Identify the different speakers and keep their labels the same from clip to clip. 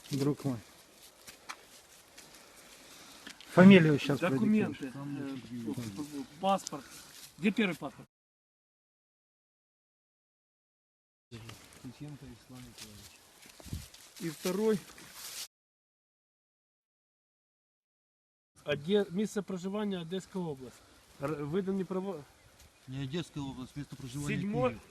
Speaker 1: друг мой. Фамилию сейчас
Speaker 2: Документы, паспорт. Где первый паспорт? И второй. Место проживания Одесская область. Выданный право.
Speaker 3: Не Одесская область, место проживания.
Speaker 2: 7.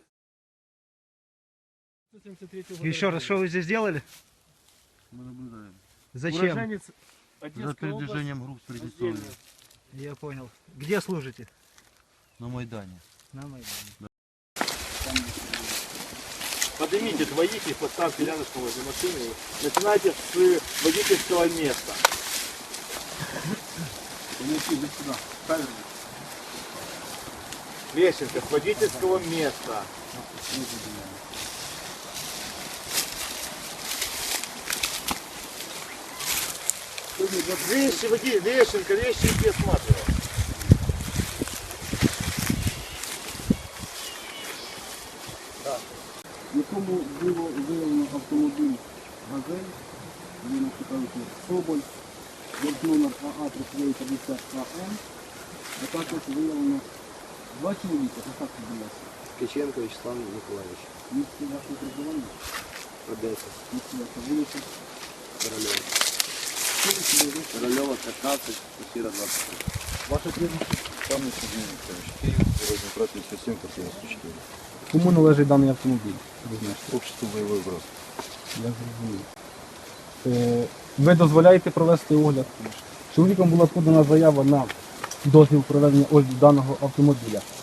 Speaker 1: Еще раз, что вы здесь делали?
Speaker 3: Мы наблюдаем.
Speaker 1: Зачем?
Speaker 2: Уроженец
Speaker 3: За
Speaker 2: Одесской области.
Speaker 3: передвижением групп с Приднестровья.
Speaker 1: Я понял. Где служите?
Speaker 3: На Майдане.
Speaker 1: На Майдане.
Speaker 4: Поднимите двоих, поставьте рядышком возле машины. Начинайте с водительского места. Лещенко, с водительского места. Вещи, Лещенко, вещи иди осматривай.
Speaker 5: В якому було виявлено автомобіль «Газель», він цікавиться Соболь, номер АА-3350АМ, а також виявлено 2 чоловіка, а так відбулося.
Speaker 6: Ткаченко Вячеслав Миколаївич.
Speaker 5: Місце вашого проживання,
Speaker 6: Одеса.
Speaker 5: місце ваша вулиця,
Speaker 6: Корольова.
Speaker 5: скільки ви
Speaker 6: Корольова 15, квартира 23.
Speaker 5: Ваше прізвище?
Speaker 7: Пане Сергій Миколаївич, Київ, Дорожній брат 57, квартира 104.
Speaker 5: Кому належить даний автомобіль? Ви знаєте.
Speaker 7: Общество бойовий брат.
Speaker 5: Я зрозумів. Ви дозволяєте провести огляд? Чоловіком була подана заява на дозвіл проведення огляду даного автомобіля.